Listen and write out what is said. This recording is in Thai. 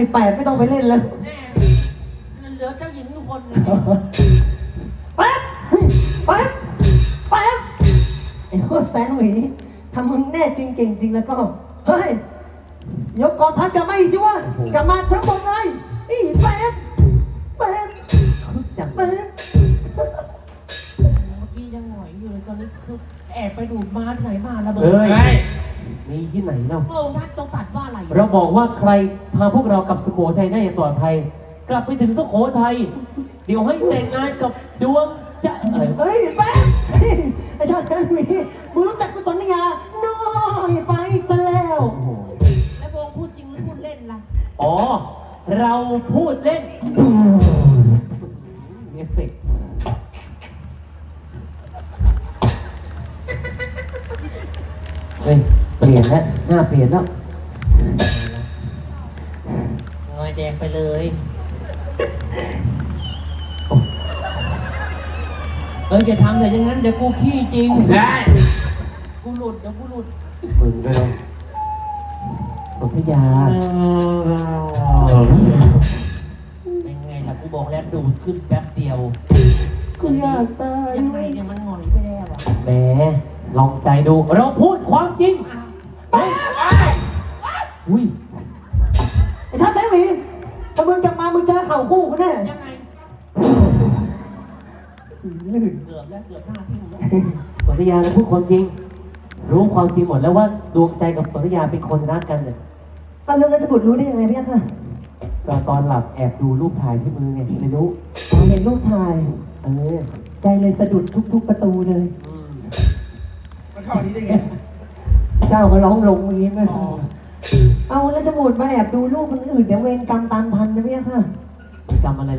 18ไม่ต้องไปเล่นเลยแน่มันเหลือเจ้าหญิงทุกคนเลยแป๊บแป๊บแป๊บไอ้พวกแสนหวีถ้ามึงแน่จริงเก่งจริงแล้วก็เฮ้ยยกกองทัพกลับมาอีกสิวะกลับมาทั้งหมดเลยอีแป๊บแป๊บจับแป๊บเมื่อกี้ยังหงอยอยู่เลยตอนนี้คือแอบไปดูดม้าที่ไหนมาระเบิดเฮ้ยมีที่ไหนเราพระองค์ท่านต้องตัดว่าอะไรเราบอกว่าใครพาพวกเรากลับสุโขทัยได้อย่างปลอดภัย กลับไปถึงสุโขทัยเดี๋ยวให้แต่งงานกับดวงจะเฮ้ยแป๊บไอ้ชาตินั้นมีมึงรู้จักกุศลยาน้อยไปซะแล้วโอ้โหแล้วพระองค์พูดจริงหรือพูดเล่นล่ะอ๋อ เราพูดเล่นเอฟเฟกต์เฮ้ยเปลี่ยนแล้วหน้าเปลี่ยนแล้วงอยแดงไปเลยอย่าทำเลยอย่างนั้นเดี๋ยวกูขี้จริงได้กูหลุดเดี๋ยวกูหลุดมึงด้วยสนธยาเป็นไงล่ะกูบอกแล้วดูดขึ้นแป๊บเดียวกูอยากตายยังไงเนี่ยมันหงอยไปแล้วอ่ะแหมลองใจดู เราพูดความจริง เฮ้ยอุ้ยไอ้ชาติแสนหวีถ้ามึงกลับมามึงเจอเข่าคู่กูแน่ยังไงลื่นเกือบแล้วเกือบหน้าทิ่มแล้วสนธยาเราพูดความจริง รู้ความจริงหมดแล้วว่าดวงใจกับสนธยาเป็นคนรักกันเนี่ยตอนเรื่องราชบุตรรู้ได้ยังไงพี่ค่ะก็ตอนหลับแอบดูรูปถ่ายที่มือเนี่ยไม่รู้เห็นรูปถ่ายเออใจเลยสะดุดทุกประตูเลยมันเข้านี้ได้ไงเจ้าก็ร้องลงอย่างนี้ไม่พอเอาแล้วจะหมดมาแอบดูรูปคนอื่นเดี๋ยวเวรกรรมตามทันนะพี่ค่ะจำอะไร